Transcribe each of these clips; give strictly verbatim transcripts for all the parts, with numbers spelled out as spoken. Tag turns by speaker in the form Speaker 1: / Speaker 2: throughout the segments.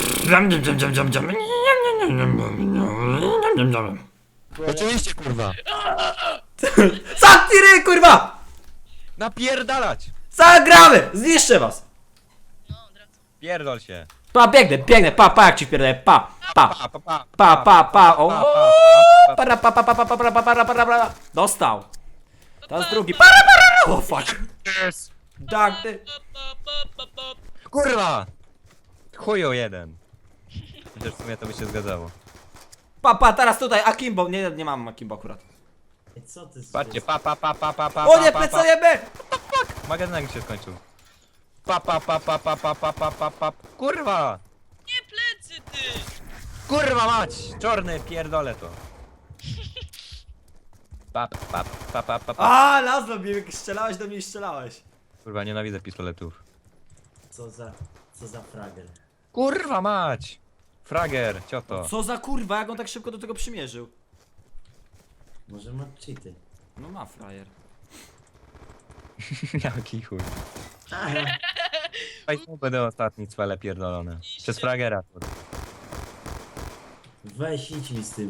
Speaker 1: Oczywiście, kurwa.
Speaker 2: Zamknij ryj, kurwa!
Speaker 1: Napierdalać!
Speaker 2: Zagramy! Zniszczę was!
Speaker 1: Pierdol się.
Speaker 2: Pa, biegnę, biegnę, pa, pa, jak ci pierdolę, pa, pa,
Speaker 1: Pa, pa, pa.
Speaker 2: pa, pa, pa, o,
Speaker 1: Pa, pa, pa,
Speaker 2: para, pa, pa, pa, pa, pa, para, para, para, para, dostał. Teraz drugi, para, para, o, fuck.
Speaker 1: Yes.
Speaker 2: Tak, ty.
Speaker 1: Kurwa! Chuju jeden. Chociaż w sumie to by się zgadzało.
Speaker 2: Pa, pa, teraz tutaj, Akimbo, nie, nie mam Akimbo akurat.
Speaker 3: Ej, co ty z-
Speaker 1: Patrzcie, pa, pa, pa, pa, pa, pa,
Speaker 2: O nie,
Speaker 1: pa, pa,
Speaker 2: plecujemy!
Speaker 1: pa. Magazynek się skończył. Pa, pa, pa, pa, pa, pa, pa, pa, pa, pa. Kurwa!
Speaker 4: Nie plecy ty!
Speaker 1: Kurwa mać! Czarny, pierdolę to. Pa, pa, pa, pa, pa, pa.
Speaker 2: A, nazwa mnie, jak strzelałeś do mnie i strzelałeś.
Speaker 1: Kurwa, nienawidzę pistoletów.
Speaker 3: Co za... Co za frager.
Speaker 1: Kurwa mać! Frager, cioto.
Speaker 2: Co za kurwa, jak on tak szybko do tego przymierzył?
Speaker 3: Może ma cheaty.
Speaker 2: No ma frajer.
Speaker 1: Jaki chuj.
Speaker 3: Aha.
Speaker 1: Państwo będą ostatni cwele pierdolone. Przez fragera.
Speaker 3: Weź idź mi z tym.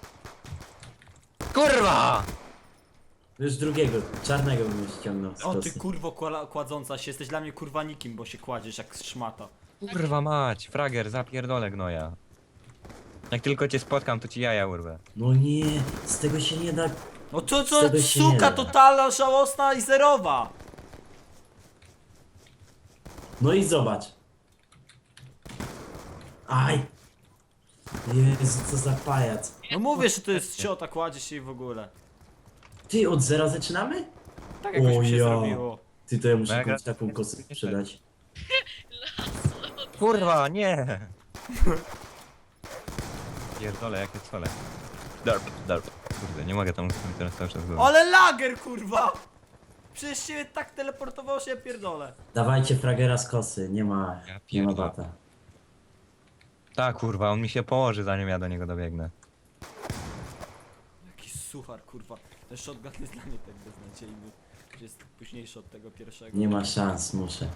Speaker 1: Kurwa!
Speaker 3: Już drugiego, czarnego bym ściągnął z
Speaker 2: O ty
Speaker 3: kosy.
Speaker 2: kurwo kła- kładząca się, jesteś dla mnie kurwa nikim, bo się kładziesz jak szmata.
Speaker 1: Kurwa mać, frager, zapierdolę gnoja. Jak tylko cię spotkam, to ci jaja urwę.
Speaker 3: No nie, z tego się nie da...
Speaker 2: No to
Speaker 3: Z
Speaker 2: co,
Speaker 3: tego się nie
Speaker 2: suka
Speaker 3: da.
Speaker 2: totalna, żałosna i zerowa.
Speaker 3: No i zobacz. Aj! Jezu, co za pajac.
Speaker 2: No mówię, że to jest ciota, kładzie się i w ogóle.
Speaker 3: Ty, od zera zaczynamy?
Speaker 2: Tak jakoś
Speaker 3: O
Speaker 2: mi się
Speaker 3: ja.
Speaker 2: zrobiło.
Speaker 3: Ty, to ja muszę
Speaker 1: Mega.
Speaker 3: komuś taką kosę sprzedać.
Speaker 1: Kurwa, nie! Pierdolę, jakie cole. Derp, derp. Kurde, nie mogę tam teraz cały czas go.
Speaker 2: Ale lager kurwa! Przecież się tak teleportowało, że ja pierdolę.
Speaker 3: Dawajcie fragera z kosy, nie ma...
Speaker 1: Ja
Speaker 3: Nie ma
Speaker 1: pierdolę.
Speaker 3: bata.
Speaker 1: Tak, kurwa, on mi się położy, zanim ja do niego dobiegnę.
Speaker 2: Jaki suchar kurwa. Ten shotgun jest dla mnie tak beznadziejny. Że jest późniejszy od tego pierwszego.
Speaker 3: Nie ma szans, muszę.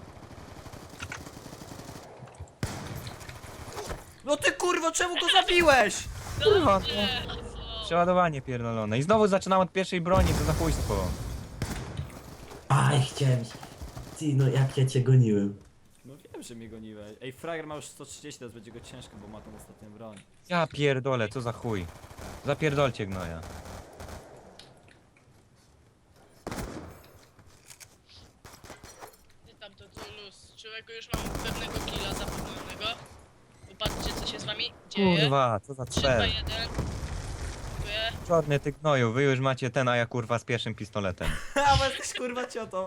Speaker 2: No ty kurwo, czemu go zabiłeś?
Speaker 1: Kurwa, no. Przeładowanie pierdolone. I znowu zaczynam od pierwszej broni, to za chujstwo.
Speaker 3: Aj, chciałem... Ty, no jak ja cię goniłem.
Speaker 2: No wiem, że mnie goniłeś. Ej, frager ma już sto trzydzieści, teraz będzie go ciężko, bo ma tą ostatnią broń.
Speaker 1: Ja pierdolę, co za chuj. Zapierdolcie gnoja.
Speaker 4: Ty tam to tu luz. Człowieku, już mam pewnego killa zapewnionego. Popatrzcie, co się z wami dzieje.
Speaker 1: Kurwa, co za
Speaker 4: trzy, dwa,
Speaker 1: cel.
Speaker 4: jeden. Dziękuję.
Speaker 1: Czarny ty gnoju, wy już macie ten, a ja kurwa z pierwszym pistoletem.
Speaker 2: Ha, bo jesteś kurwa ciotą.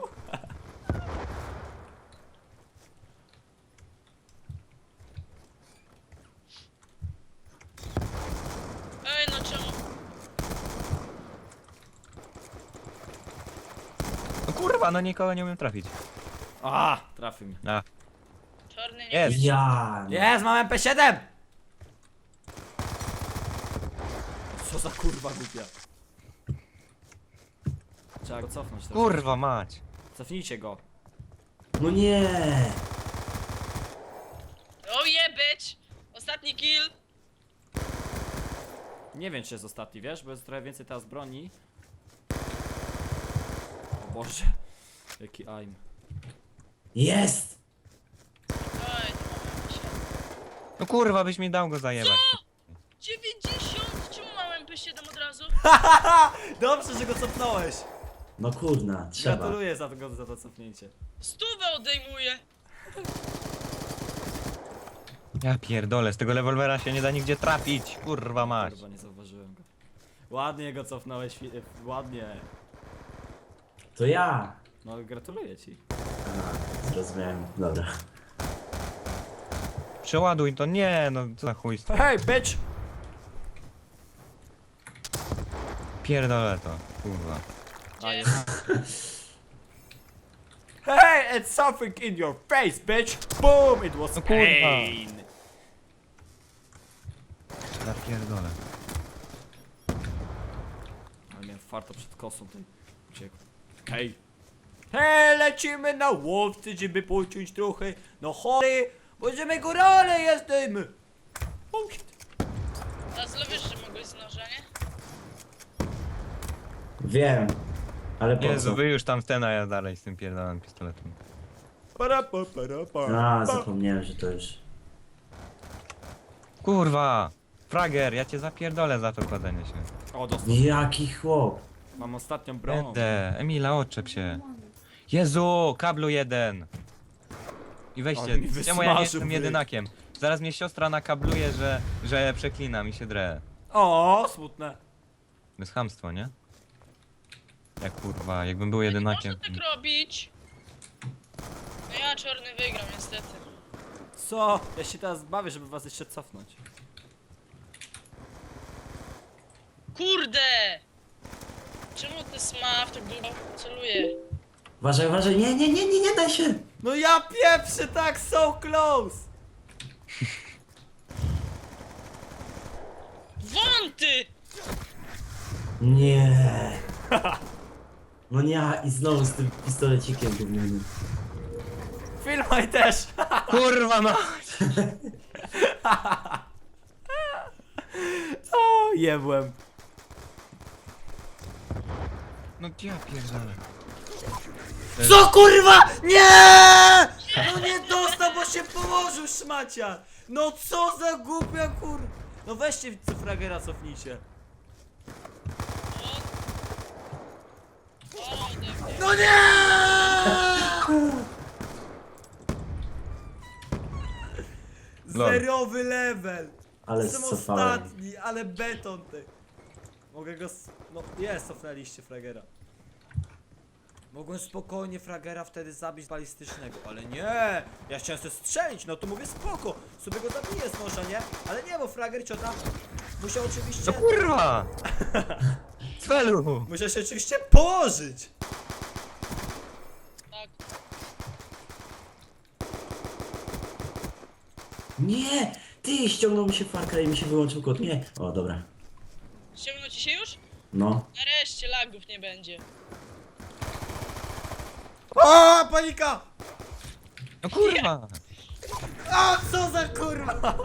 Speaker 4: Ej, no czemu?
Speaker 1: No kurwa, no nikogo nie umiem trafić.
Speaker 2: A, trafił mnie.
Speaker 1: A,
Speaker 4: Czarny nie
Speaker 1: Jest.
Speaker 4: widzi.
Speaker 3: Ja...
Speaker 2: Jest, mam M P siedem! Co za kurwa głupia. Trzeba go cofnąć teraz.
Speaker 1: kurwa mać.
Speaker 2: Cofnijcie go.
Speaker 3: No nie!
Speaker 4: Oh yeah, bitch! Ostatni kill!
Speaker 2: Nie wiem, czy jest ostatni, wiesz, bo jest trochę więcej teraz broni. O Boże. Jaki aim.
Speaker 3: Jest!
Speaker 4: Oj, to mam się.
Speaker 1: No kurwa, byś mi dał go zajebać.
Speaker 4: dziewięćdziesiąt! Czemu mam M P siedem od razu?
Speaker 2: Haha! Dobrze, że go cofnąłeś.
Speaker 3: No kurna, trzeba.
Speaker 2: Gratuluję za to, za to cofnięcie.
Speaker 4: Stówę odejmuję!
Speaker 1: Ja pierdolę, z tego rewolwera się nie da nigdzie trafić. Kurwa mać.
Speaker 2: Kurwa, nie zauważyłem go. Ładnie go cofnąłeś, fi- e, ładnie.
Speaker 3: To ja!
Speaker 2: No, gratuluję ci.
Speaker 3: A, zrozumiałem, dobra.
Speaker 1: Przeładuj to, nie, no co za chujstwo.
Speaker 2: Hey, bitch!
Speaker 1: Pierdolę to, kurwa.
Speaker 2: A,
Speaker 4: Gdzie?
Speaker 2: jest. Hey, it's something in your face, bitch! Boom! It was
Speaker 1: No kurwa.
Speaker 2: pain!
Speaker 1: Ja pierdolę.
Speaker 2: Ale miałem farto przed kosą, ten uciekł. Hej! Hej, lecimy na łowcy, żeby pociąć trochę. No chory, Będziemy górale jesteśmy! Oh shit.
Speaker 4: Lazlo, wiesz, że mogłeś z noża, nie?
Speaker 3: Wiem. Ale po
Speaker 1: Jezu,
Speaker 3: co?
Speaker 1: wy już tam w ten, a ja dalej z tym pierdolonym pistoletem.
Speaker 2: Para, pa, para, pa,
Speaker 3: A,
Speaker 2: pa.
Speaker 3: zapomniałem, że to już...
Speaker 1: Kurwa! Frager, ja cię zapierdolę za to kładenie się.
Speaker 2: O, dostał.
Speaker 3: Jaki chłop.
Speaker 2: Mam ostatnią broń.
Speaker 1: Będę. Emila, odczep się. Jezu, kablu jeden. I weźcie,
Speaker 2: Ale mi
Speaker 1: czemu ja nie
Speaker 2: wysmażył
Speaker 1: jestem
Speaker 2: bryk.
Speaker 1: jedynakiem? Zaraz mnie siostra nakabluje, że, że przeklinam i się drę.
Speaker 2: O, smutne.
Speaker 1: To jest chamstwo, nie? Jak kurwa, jakbym był
Speaker 4: Nie
Speaker 1: jedynakiem.
Speaker 4: można tak robić. No ja czarny wygram, niestety.
Speaker 2: Co? Ja się teraz bawię, żeby was jeszcze cofnąć.
Speaker 4: Kurde! Czemu ten smaf tak długo celuje?
Speaker 3: Uważaj, uważaj, nie, nie, nie, nie, nie daj się!
Speaker 2: No ja pieprzę tak, so close!
Speaker 4: Wąty!
Speaker 3: Nie. No nie, i znowu z tym pistolecikiem gównianym.
Speaker 2: Filmaj też!
Speaker 1: Kurwa no!
Speaker 2: O, jebłem.
Speaker 1: No ja pierdolę.
Speaker 2: Co kurwa? Nie! No nie dostał, bo się położył szmacia! No co za głupia kur... No weźcie fragera, cofnijcie.
Speaker 4: O, ode mnie.
Speaker 2: No nie!
Speaker 1: Lol.
Speaker 2: Zerowy level!
Speaker 3: Ale
Speaker 2: Jestem
Speaker 3: scofałem.
Speaker 2: ostatni, ale beton ty. Mogę go... s- No jest, cofnęliście fragera. Mogłem spokojnie fragera wtedy zabić balistycznego, ale nie! Ja chciałem sobie strzelić, no to mówię spoko, sobie go zabiję z noża, nie? Ale nie, bo frager ciota musiał oczywiście...
Speaker 1: No kurwa! Cfelu!
Speaker 2: Musiał się oczywiście położyć!
Speaker 4: Tak.
Speaker 3: Nie! Ty, ściągnął mi się farka i mi się wyłączył kod. Nie. O, dobra.
Speaker 4: Ściągnął ci się już?
Speaker 3: No.
Speaker 4: Nareszcie lagów nie będzie.
Speaker 2: O, panika!
Speaker 1: No kurwa!
Speaker 2: A co za kurwa!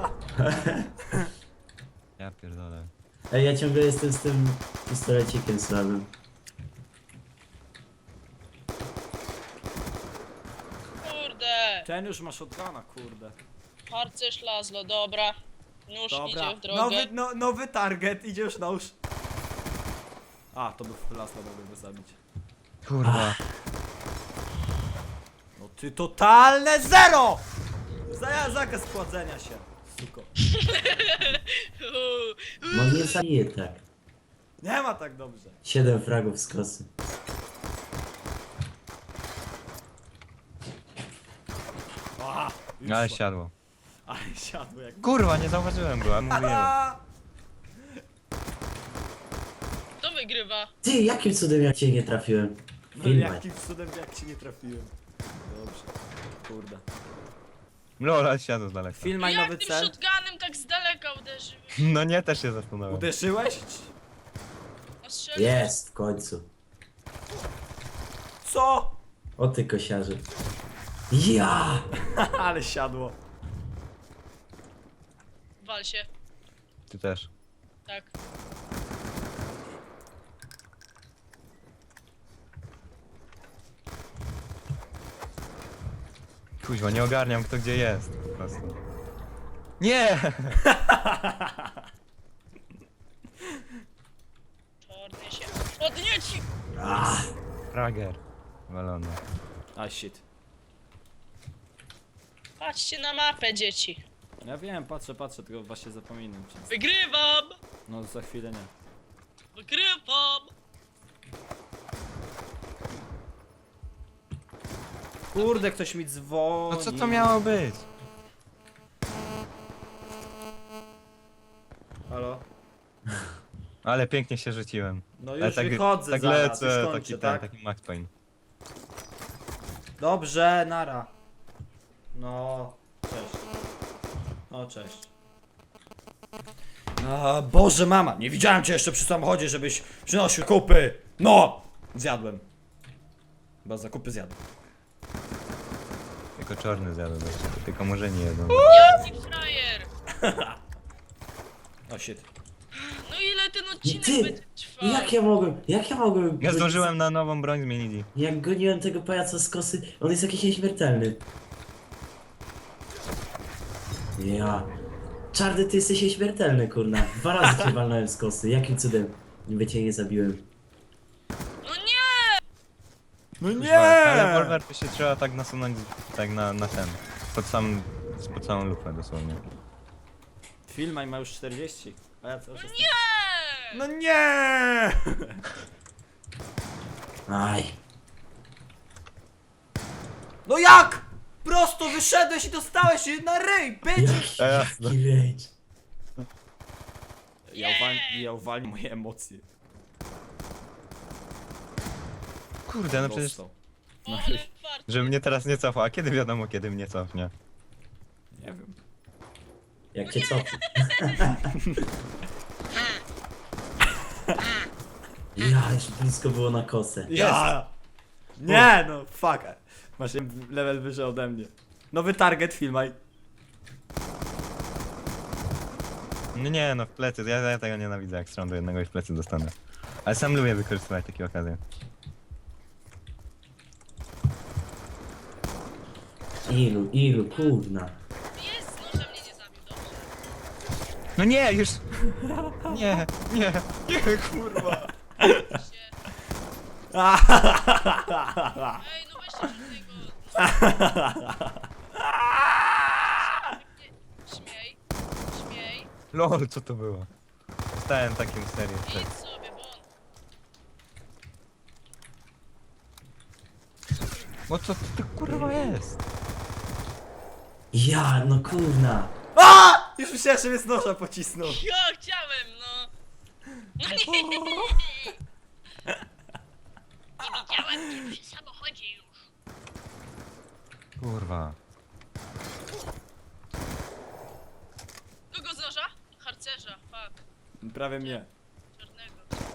Speaker 1: Ja pierdolę.
Speaker 3: Ej, ja ciągle jestem z tym pistolecikiem słabym.
Speaker 4: Kurde!
Speaker 2: Ten już ma shotguna, kurde.
Speaker 4: Harcerz Lazlo, dobra. Nóż
Speaker 2: Dobra,
Speaker 4: idzie w drogę.
Speaker 2: nowy, no, nowy target, idzie już nóż. A, to był Lasla, mogłem go zabić.
Speaker 1: Kurwa.
Speaker 2: No ty totalne zero! Za, zakaz pładzenia się, suko.
Speaker 4: Uuu,
Speaker 3: No nie zabiję tak.
Speaker 2: Nie ma tak dobrze.
Speaker 3: Siedem fragów z kosy.
Speaker 2: Aha, już
Speaker 1: Ale
Speaker 2: szło.
Speaker 1: siadło.
Speaker 2: Ale siadło jak...
Speaker 1: Kurwa, nie zauważyłem go, a mówiłem.
Speaker 2: A!
Speaker 4: Kto wygrywa?
Speaker 3: Ty, jakim cudem ja cię nie trafiłem?
Speaker 2: No
Speaker 3: Filmaj.
Speaker 2: jakim cudem jak ci nie trafiłem. Dobrze, kurde.
Speaker 1: Lol, ale siadło z daleka.
Speaker 2: Filmaj
Speaker 4: Jak
Speaker 2: nowy
Speaker 4: tym
Speaker 2: cel.
Speaker 4: shotgunem tak z daleka uderzyłeś?
Speaker 1: No nie, też się zastanawiam.
Speaker 2: Uderzyłeś?
Speaker 4: Ostrzelił?
Speaker 3: Jest, w końcu.
Speaker 2: Co?
Speaker 3: O ty kosiarzu. Ja!
Speaker 2: Ale siadło.
Speaker 4: Wal się.
Speaker 1: Ty też.
Speaker 4: Tak.
Speaker 1: Kuźwa, nie ogarniam kto gdzie jest. Po prostu. Nie!
Speaker 4: Czarny się podnieci!
Speaker 3: Ah,
Speaker 1: Frager. Walony.
Speaker 2: A shit.
Speaker 4: Patrzcie na mapę, dzieci.
Speaker 2: Ja wiem, patrzę, patrzę, tylko właśnie zapominam. Czy...
Speaker 4: Wygrywam!
Speaker 2: No za chwilę nie.
Speaker 4: Wygrywam!
Speaker 2: Kurde, ktoś mi dzwoni.
Speaker 1: No co to miało być?
Speaker 2: Halo?
Speaker 1: Ale pięknie się rzuciłem.
Speaker 2: No
Speaker 1: Ale
Speaker 2: już
Speaker 1: tak,
Speaker 2: wychodzę
Speaker 1: tak
Speaker 2: zaraz,
Speaker 1: lecę,
Speaker 2: już kończę,
Speaker 1: taki ten,
Speaker 2: tak?
Speaker 1: taki Max Payne.
Speaker 2: Dobrze, nara. No, cześć. No, cześć. A, Boże mama, nie widziałem cię jeszcze przy samochodzie, żebyś przynosił kupy. No! Zjadłem. Chyba zakupy zjadłem.
Speaker 1: Tylko czarny zjadł, tylko może nie jedzą.
Speaker 4: Jaki frajer!
Speaker 2: O shit.
Speaker 4: No ile ten odcinek
Speaker 3: Ty,
Speaker 4: będzie trwał?
Speaker 3: Jak ja mogłem, jak ja mogłem...
Speaker 1: Ja zdążyłem na nową broń zmienić.
Speaker 3: Jak goniłem tego pajaca z kosy, on jest jakiś nieśmiertelny. Ja... Czarny, ty jesteś nieśmiertelny, kurna. Dwa razy cię walnąłem z kosy, jakim cudem niby cię nie zabiłem.
Speaker 4: No nie!
Speaker 2: No
Speaker 1: Kuźwa, ale Wolver to się trzeba tak nasunąć, tak na, na ten. Pod sam, pod samą lufę dosłownie.
Speaker 2: Filmaj ma już czterdzieści. A ja co?
Speaker 4: No nie!
Speaker 2: No nie!
Speaker 3: Aj.
Speaker 2: No jak? Prosto wyszedłeś i dostałeś się na ryj, bitch!
Speaker 1: A ja-
Speaker 3: Jaki rage.
Speaker 2: Ja uwalniam, ja uwalniam moje emocje.
Speaker 1: Kurde, no przecież,
Speaker 2: Dostał.
Speaker 4: O, ale fart.
Speaker 1: że mnie teraz nie cofa, a kiedy wiadomo, kiedy mnie cofnie?
Speaker 2: Nie wiem.
Speaker 3: Jak cię cofnę. Ja, już blisko było na kosę.
Speaker 2: Ja! Nie no, fuck. Masz level wyżej ode mnie. Nowy target, filmaj.
Speaker 1: No nie, no w plecy, ja, ja tego nienawidzę, jak stron do jednego i w plecy dostanę. Ale sam lubię wykorzystywać takie okazje.
Speaker 3: Ilu, ilu, kurna.
Speaker 4: Jest, no, że mnie nie zabił, dobrze.
Speaker 1: No nie, już! Nie, nie, nie, kurwa!
Speaker 4: Się. Ej, no weźcie tego. Śmiej, śmiej.
Speaker 1: Lol, co to było? Stałem takim serię.
Speaker 4: Idź sobie, bo on...
Speaker 1: Bo co to kurwa jest?
Speaker 3: Ja, no kurna.
Speaker 2: A! Już myślałem, że mnie z noża pocisnął.
Speaker 4: Ja chciałem, no. No nie. Nie widziałem cię przy samochodzie już.
Speaker 1: Kurwa.
Speaker 4: Kogo z noża? Harcerza, fuck.
Speaker 2: Prawie mnie.
Speaker 4: Czarnego.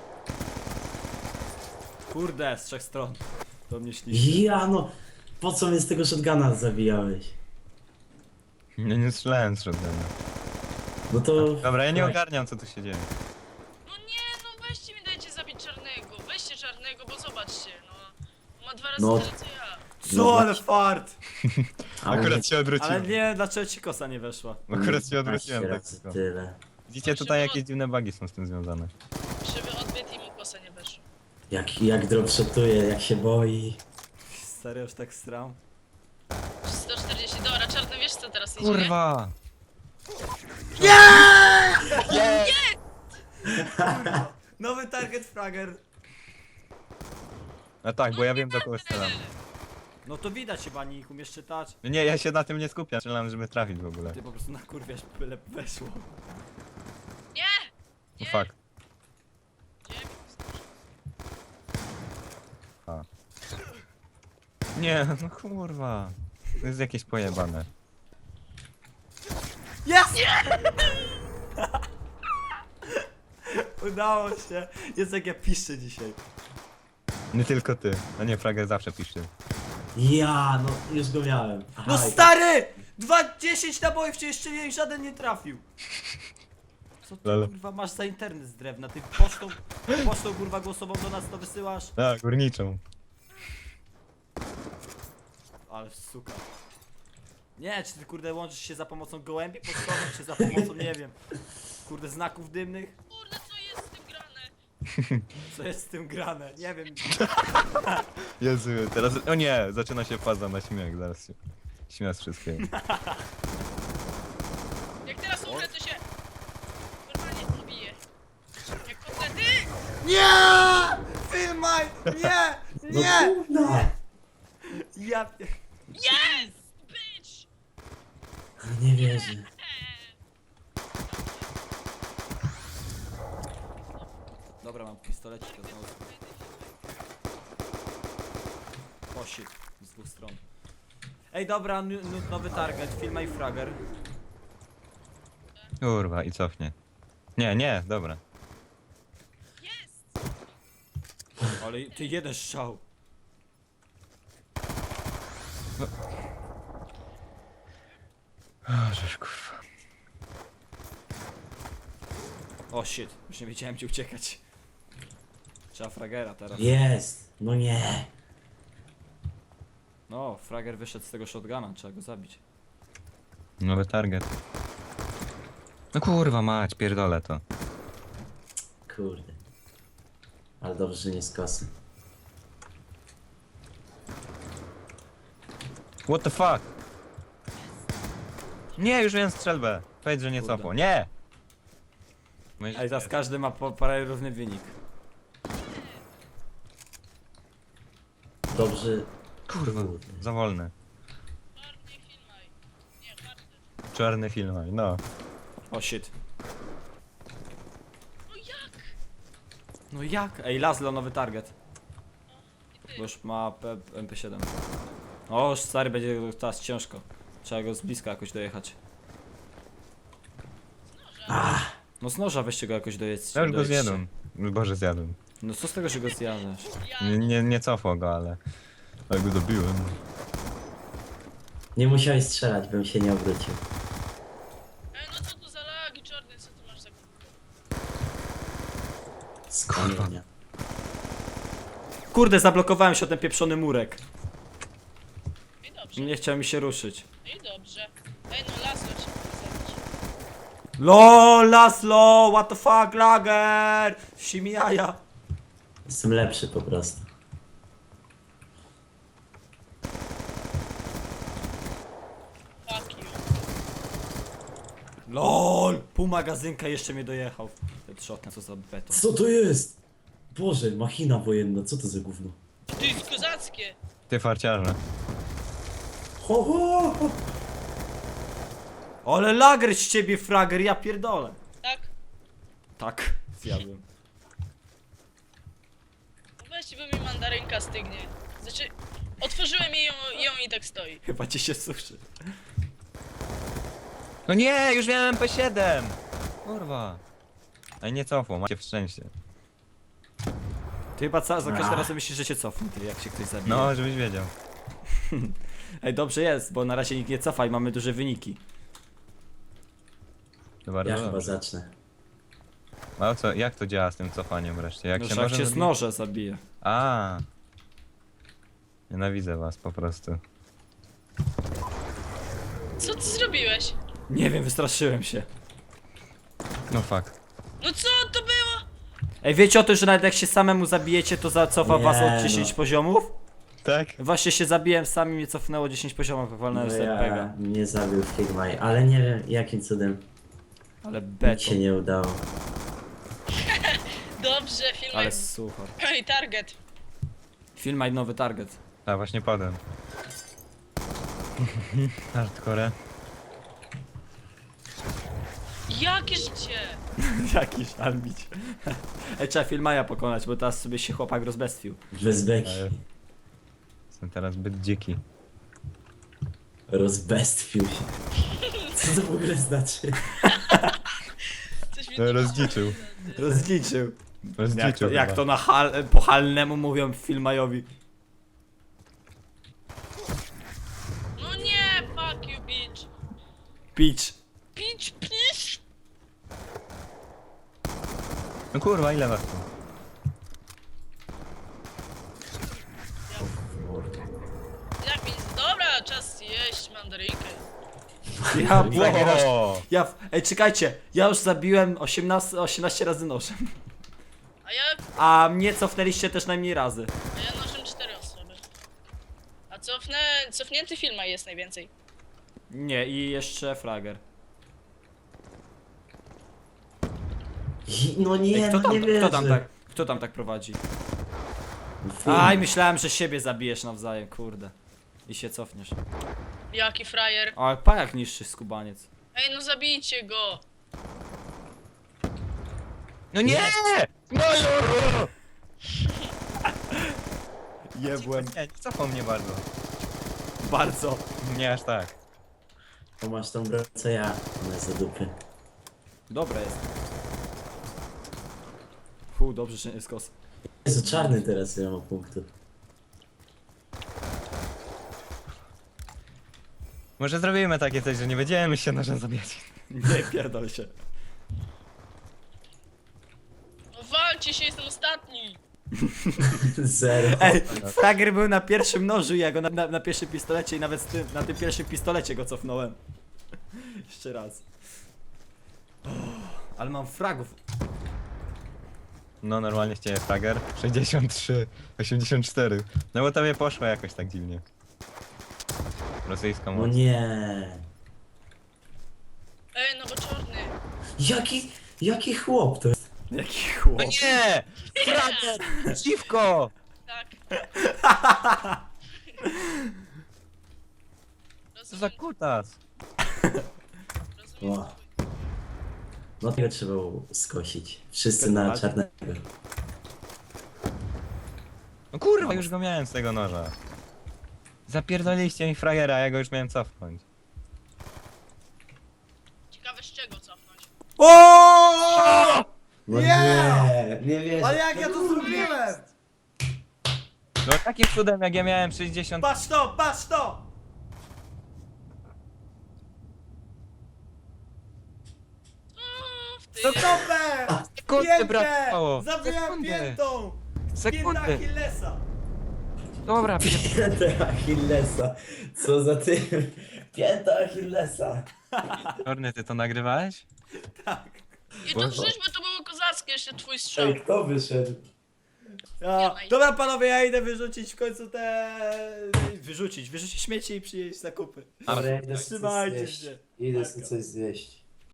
Speaker 2: Kurde, z trzech stron. To mnie ślicznie.
Speaker 3: Ja, no. Po co mnie z tego shotguna zabijałeś?
Speaker 1: Nie, nie strzelałem z shotguna.
Speaker 3: No to...
Speaker 1: Dobra, ja nie ogarniam, co tu się dzieje.
Speaker 4: No nie, no weźcie mi dajcie zabić czarnego. Weźcie czarnego, bo zobaczcie, no. Ma dwa razy
Speaker 3: No.
Speaker 4: tyle co ja.
Speaker 2: Co, ale fart!
Speaker 3: Ale
Speaker 1: Akurat się
Speaker 2: Ale
Speaker 1: odwróciłem.
Speaker 2: nie, dlaczego ci kosa nie weszła?
Speaker 1: Akurat się odwróciłem tak
Speaker 3: razy
Speaker 1: tylko.
Speaker 3: tyle.
Speaker 1: Widzicie, tutaj jakieś dziwne bugi są z tym związane.
Speaker 4: Krzywy odbyt i mu kosa nie weszła.
Speaker 3: Jak, jak dropshotuje, jak się boi.
Speaker 2: Serio, już tak stram?
Speaker 4: sto czterdzieści, dobra, czarny, wiesz co teraz idzie? nie?
Speaker 1: Kurwa!
Speaker 2: Nowy target fragger.
Speaker 1: No tak, bo ja wiem, do kogo strzelam.
Speaker 2: No to widać chyba, nie umiesz czytać.
Speaker 1: No nie, ja się na tym nie skupiam, strzelam, żeby trafić w ogóle.
Speaker 2: Ty po prostu nakurwiasz, byle weszło.
Speaker 4: Nie!
Speaker 1: No fuck.
Speaker 4: Gdzie mi to
Speaker 1: A. Nie, no kurwa. To jest jakieś pojebane.
Speaker 2: Jest! Udało się. Jest jak ja piszę dzisiaj.
Speaker 1: Nie tylko ty. No nie, Frager zawsze pisze.
Speaker 3: Ja, no już go miałem. Aha,
Speaker 2: No
Speaker 3: i-
Speaker 2: stary! Dwa, dziesięć nabojów cię jeszcze nie, żaden nie trafił. Co ty
Speaker 1: Lele.
Speaker 2: kurwa masz za internet z drewna? Ty pocztą, pocztą kurwa głosową do nas to wysyłasz?
Speaker 1: A, górniczą.
Speaker 2: Ale suka. Nie, czy ty kurde łączysz się za pomocą gołębi pocztowych, czy za pomocą, nie wiem, kurde znaków dymnych?
Speaker 4: Kurde, co jest z tym grane?
Speaker 2: Co jest z tym grane? Nie wiem.
Speaker 1: Jezu, teraz... O nie, zaczyna się faza na śmiech, zaraz się... Śmiech z wszystkiego.
Speaker 4: Jak teraz umrę, to się... Normalnie pobiję. Jak kotlety!
Speaker 2: Nie! Filmaj! Nie!
Speaker 3: No
Speaker 2: Nie!
Speaker 3: kurna!
Speaker 2: Ja... pie-
Speaker 4: Yes! Bitch!
Speaker 3: Nie wierzę.
Speaker 2: Dobra, mam pistolecik to znowu. O shit, z dwóch stron. Ej, dobra, n- n- nowy target, filmaj fragger.
Speaker 1: Kurwa, i cofnie. Nie, nie, dobra.
Speaker 4: Jest!
Speaker 2: Ale ty jeden strzał.
Speaker 1: O, żeż kurwa.
Speaker 2: O shit, już nie wiedziałem gdzie uciekać. Trzeba fragera teraz.
Speaker 3: Jest! No nie!
Speaker 2: No, frager wyszedł z tego shotguna, trzeba go zabić.
Speaker 1: Nowy target. No kurwa mać, pierdolę to.
Speaker 3: Kurde. Ale dobrze, że nie z kosy.
Speaker 1: What the fuck? Nie, już wiem strzelbę. Powiedz, że nie
Speaker 2: Kurde.
Speaker 1: cofło. Nie! Myśl-
Speaker 2: Ej, teraz każdy ma po parę równy wynik.
Speaker 3: Dobrze.
Speaker 1: Kurwa,
Speaker 3: Kurde.
Speaker 1: za wolny.
Speaker 4: Czarny filmaj. Nie, czarny.
Speaker 1: Czarny film, no.
Speaker 2: O shit.
Speaker 4: No jak?
Speaker 2: No jak? Ej, Laszlo, nowy target.
Speaker 4: I ty.
Speaker 2: Bo już ma P- M P siedem. O, stary, będzie teraz ciężko. Trzeba go z bliska jakoś dojechać.
Speaker 3: Ah,
Speaker 2: No z noża weźcie go jakoś dojedźcie.
Speaker 1: Ja już go
Speaker 2: dojedźcie.
Speaker 1: zjadłem. Boże, zjadłem.
Speaker 2: No co z tego, że go zjadasz?
Speaker 4: Ja.
Speaker 1: Nie, nie, nie cofło go, ale... Ale go dobiłem.
Speaker 3: nie musiałeś strzelać, bym się nie obrócił.
Speaker 4: Ej, no co tu za lagi, czarny, co tu masz za...
Speaker 3: Z kamienia.
Speaker 2: Kurde, zablokowałem się o ten pieprzony murek.
Speaker 4: I dobrze,
Speaker 2: Nie chciał mi się ruszyć.
Speaker 4: i dobrze. Ej, no lasno ci mogę zabić.
Speaker 2: LOL, Laszlo, what the fuck, lager! Simi jaja.
Speaker 3: Jestem lepszy po prostu.
Speaker 4: Fuck you.
Speaker 2: LOL, pół magazynka jeszcze mnie dojechał. Headshot, co za beton.
Speaker 3: Co to jest? Boże, machina wojenna, co to za gówno?
Speaker 4: To jest kozackie.
Speaker 1: Ty farciarze.
Speaker 3: Ho, ho, ho.
Speaker 2: Ale lager z ciebie, frager, ja pierdolę.
Speaker 4: Tak?
Speaker 2: Tak, zjadłem.
Speaker 4: No weźcie, bo mi mandarynka stygnie. Znaczy, otworzyłem jej ją, ją i tak stoi.
Speaker 2: Chyba ci się suszy.
Speaker 1: No nie, już miałem M P siedem! Kurwa. Ej, nie cofło, macie w szczęście.
Speaker 2: Ty chyba ca- za każdym
Speaker 3: Ah.
Speaker 2: razem myślisz, że cię cofnie, ty, jak się ktoś zabije.
Speaker 1: No, żebyś wiedział.
Speaker 2: Ej, dobrze jest, bo na razie nikt nie cofa i mamy duże wyniki.
Speaker 1: To bardzo
Speaker 3: Ja chyba
Speaker 1: dobrze.
Speaker 3: zacznę.
Speaker 1: A o co, jak to działa z tym cofaniem wreszcie? Jak
Speaker 2: No,
Speaker 1: się
Speaker 2: że jak
Speaker 1: może
Speaker 2: cię z
Speaker 1: zabije?
Speaker 2: noże zabije.
Speaker 1: A. Nienawidzę was po prostu.
Speaker 4: Co ty zrobiłeś?
Speaker 2: Nie wiem, wystraszyłem się.
Speaker 1: No fuck.
Speaker 4: No co to było?
Speaker 2: Ej, wiecie o tym, że nawet jak się samemu zabijecie, to zacofa
Speaker 3: Nie,
Speaker 2: was
Speaker 3: no.
Speaker 2: od dziesięć poziomów?
Speaker 1: Tak?
Speaker 2: Właśnie się zabiłem, sami mnie cofnęło dziesięć poziomów, jak walnąłem z
Speaker 3: No
Speaker 2: R P G.
Speaker 3: ja mnie zabił Figmaj, ale nie wiem jakim cudem.
Speaker 2: Ale
Speaker 3: Nic
Speaker 2: beton.
Speaker 3: się nie udało.
Speaker 4: Dobrze, filmaj.
Speaker 2: Ale suchar.
Speaker 4: Ej, target.
Speaker 2: Filmaj nowy target.
Speaker 1: A właśnie padłem. Hardcore.
Speaker 4: Jakie życie?
Speaker 2: Jakiś armić. Ej, trzeba Filmaja pokonać, bo teraz sobie się chłopak rozbestwił.
Speaker 3: Bez beki.
Speaker 1: Ale- Jestem teraz zbyt dziki.
Speaker 3: Rozbestwił się. Co to w ogóle znaczy?
Speaker 4: Coś mi
Speaker 1: No, rozdziczył.
Speaker 2: Rozliczył.
Speaker 1: Rozdziczył
Speaker 2: Jak to, jak
Speaker 1: chyba.
Speaker 2: to na hal, po halnemu mówią Filmajowi.
Speaker 4: No nie, fuck you, bitch.
Speaker 2: Pitch.
Speaker 4: Bitch, bitch.
Speaker 1: No kurwa, ile was tu?
Speaker 4: Jak mi... Dobra, czas jeść mandarynkę.
Speaker 2: Ja, Blagerasz,
Speaker 1: Wow.
Speaker 2: ja, w- ej, czekajcie, ja już zabiłem osiemnaście, osiemnaście razy nożem.
Speaker 4: A ja...
Speaker 2: A mnie cofnęliście też najmniej razy.
Speaker 4: A ja nożem cztery osoby. A cofnę... Cofnięty filma jest najwięcej.
Speaker 2: Nie, i jeszcze frager.
Speaker 3: I- No nie,
Speaker 2: Ej, kto
Speaker 3: no
Speaker 2: tam,
Speaker 3: nie wierzę.
Speaker 2: kto tam tak, kto tam tak prowadzi?
Speaker 3: Film.
Speaker 2: Aj, myślałem, że siebie zabijesz nawzajem, kurde. I się cofniesz.
Speaker 4: Jaki frajer.
Speaker 2: A pa jak niższy skubaniec.
Speaker 4: Ej, no zabijcie go.
Speaker 1: No nie! No jo!
Speaker 2: Jebłem.
Speaker 1: Nie, nie cofał mnie bardzo.
Speaker 2: Bardzo.
Speaker 1: Nie aż tak.
Speaker 3: Bo masz tą broń co ja. Ona jest za dupy.
Speaker 2: Dobre jest. Fu, dobrze, że nie jest kos.
Speaker 3: Jezu, czarny teraz ile ma punktów.
Speaker 1: Może zrobimy takie coś, że nie będziemy się nożem zabijać.
Speaker 2: Nie pierdol się.
Speaker 4: No walcie się, jestem ostatni.
Speaker 3: Zero.
Speaker 2: Ej, Frager był na pierwszym nożu, ja go na, na, na pierwszym pistolecie i nawet z tym, na tym pierwszym pistolecie go cofnąłem. Jeszcze raz. Oh, ale mam fragów.
Speaker 1: No normalnie chciałem frager. sześćdziesiąt trzy, osiemdziesiąt cztery. No bo tobie poszło jakoś tak dziwnie. Rosyjską
Speaker 3: No
Speaker 1: moc.
Speaker 3: nie.
Speaker 4: Ej, no bo czarny.
Speaker 3: Jaki, jaki chłop to jest?
Speaker 2: Jaki chłop.
Speaker 1: No nie! Frager! Dziwko!
Speaker 4: Tak.
Speaker 1: Co za
Speaker 4: Rozumiem,
Speaker 1: kutas?
Speaker 4: rozumiem.
Speaker 3: O. No tego trzeba było skosić. Wszyscy na
Speaker 2: Zgadzacie?
Speaker 3: czarnego.
Speaker 1: No kurwa, już go miałem z tego noża. Zapierdoliście mi fragera, ja go już miałem cofnąć.
Speaker 4: Ciekawe z czego cofnąć.
Speaker 2: O!
Speaker 3: No
Speaker 2: Nie!
Speaker 3: nie, nie wierzę.
Speaker 2: Ale jak ja to zrobiłem?
Speaker 1: No takim cudem jak ja miałem sześćdziesiąt...
Speaker 2: Patrz to, patrz to!
Speaker 4: O, w ty.
Speaker 2: To topę!
Speaker 1: Sekundy
Speaker 2: Piętę!
Speaker 1: brakowało!
Speaker 2: Zabiłem
Speaker 1: Sekundy!
Speaker 2: piętą! Pięta
Speaker 1: Sekundy!
Speaker 2: Achillesa!
Speaker 1: Dobra,
Speaker 3: Pięta Achillesa. Co za ty? Pięta Achillesa.
Speaker 1: Czarny, ty to nagrywałeś?
Speaker 4: I to czyżby to było kozackie, jeszcze twój strzał.
Speaker 3: Ej, kto wyszedł?
Speaker 2: Ja. Dobra panowie, ja idę wyrzucić w końcu te... Wyrzucić, wyrzucić śmieci i przyjeść zakupy.
Speaker 3: Dobra, ja idę sobie coś
Speaker 2: Trzymajcie
Speaker 3: zjeść.
Speaker 2: się.
Speaker 3: Idę
Speaker 2: Taka.
Speaker 3: sobie coś zjeść.